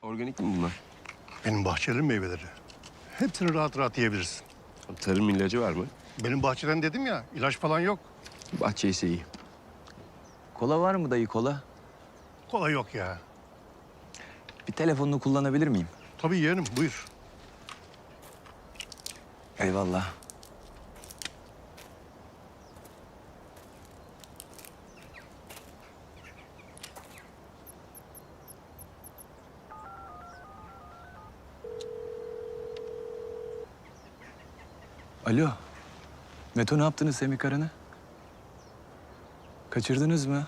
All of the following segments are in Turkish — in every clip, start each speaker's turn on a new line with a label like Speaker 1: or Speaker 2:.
Speaker 1: Organik mi bunlar?
Speaker 2: Benim bahçelerin meyveleri. Hepsini rahat rahat yiyebilirsin.
Speaker 1: Tarım ilacı var mı?
Speaker 2: Benim bahçeden dedim ya, ilaç falan yok.
Speaker 1: Bahçe ise iyi.
Speaker 3: Kola var mı dayı, kola?
Speaker 2: Kolay yok ya.
Speaker 3: Bir telefonunu kullanabilir miyim?
Speaker 2: Tabii yeğenim, buyur.
Speaker 3: Eyvallah. Alo. Meto, ne yaptınız Semih Karan'ı? Kaçırdınız mı?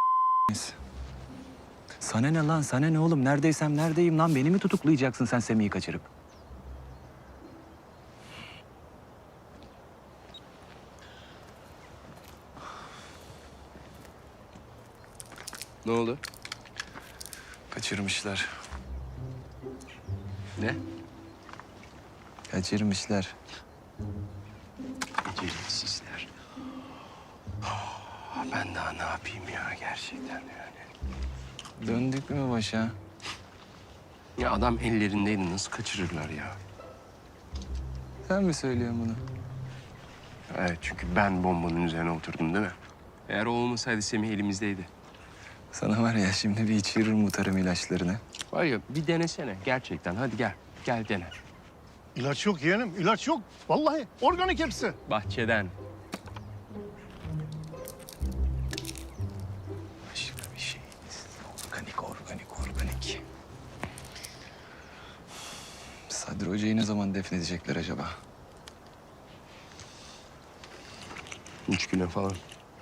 Speaker 3: Sana ne lan, sana ne oğlum? Neredeysem neredeyim lan? Beni mi tutuklayacaksın sen Semih'i kaçırıp?
Speaker 1: Ne oldu?
Speaker 3: Kaçırmışlar.
Speaker 1: Ne?
Speaker 3: Kaçırmışlar.
Speaker 1: Beceriksizler. Ben daha ne yapayım ya gerçekten yani.
Speaker 3: Döndük mü başa?
Speaker 1: Ya adam ellerindeydi, nasıl kaçırırlar ya?
Speaker 3: Sen mi söylüyorsun bunu?
Speaker 1: Evet, çünkü ben bombanın üzerine oturdum değil mi? Eğer o olmasaydı Semih elimizdeydi.
Speaker 3: Sana var ya, şimdi bir içiririm bu tarım ilaçlarını.
Speaker 1: Var ya, bir denesene gerçekten. Hadi gel, gel dene.
Speaker 2: İlaç yok yeğenim, ilaç yok. Vallahi organik hepsi.
Speaker 1: Bahçeden.
Speaker 3: Başka bir şey. Organik. Sadri Hoca'yı ne zaman defnedecekler acaba?
Speaker 1: 3 güne falan.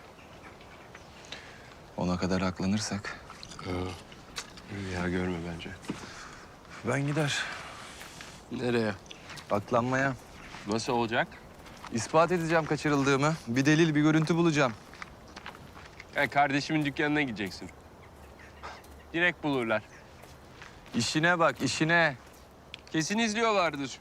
Speaker 3: Ona kadar aklanırsak.
Speaker 1: Rüya görme bence.
Speaker 3: Ben gider.
Speaker 1: Nereye?
Speaker 3: Aklanmaya.
Speaker 1: Nasıl olacak?
Speaker 3: İspat edeceğim kaçırıldığımı. Bir delil, bir görüntü bulacağım.
Speaker 1: Yani kardeşimin dükkanına gideceksin. Direkt bulurlar.
Speaker 3: İşine bak, işine.
Speaker 1: Kesin izliyorlardır.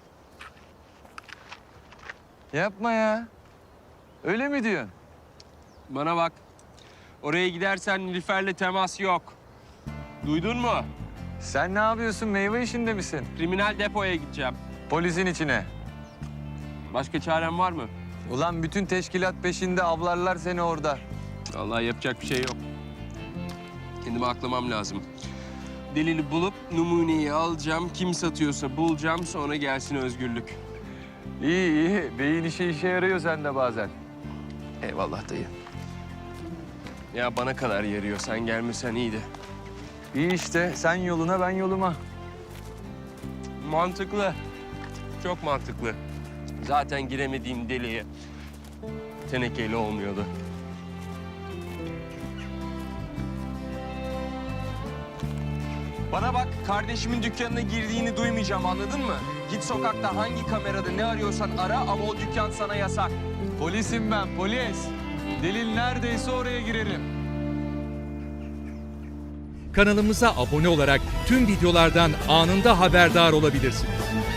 Speaker 3: Yapma ya. Öyle mi diyorsun?
Speaker 1: Bana bak. Oraya gidersen Nilüfer'le temas yok. Duydun mu?
Speaker 3: Sen ne yapıyorsun? Meyve işinde misin?
Speaker 1: Kriminal depoya gideceğim.
Speaker 3: Polisin içine.
Speaker 1: Başka çarem var mı?
Speaker 3: Ulan bütün teşkilat peşinde, avlarlar seni orada.
Speaker 1: Vallahi yapacak bir şey yok. Kendimi aklamam lazım. Delili bulup numuneyi alacağım. Kim satıyorsa bulacağım. Sonra gelsin özgürlük.
Speaker 3: İyi. Beyin işe yarıyor sende bazen.
Speaker 1: Eyvallah dayı. Ya bana kadar yarıyor. Sen gelmesen iyiydi.
Speaker 3: İyi işte. Sen yoluna, ben yoluma.
Speaker 1: Mantıklı. Çok mantıklı. Zaten giremediğim deliğe tenekeyle olmuyordu. Bana bak, kardeşimin dükkanına girdiğini duymayacağım, anladın mı? Git sokakta hangi kamerada ne arıyorsan ara ama o dükkan sana yasak.
Speaker 3: Polisim ben, polis. Delil neredeyse oraya girerim.
Speaker 4: Kanalımıza abone olarak tüm videolardan anında haberdar olabilirsiniz.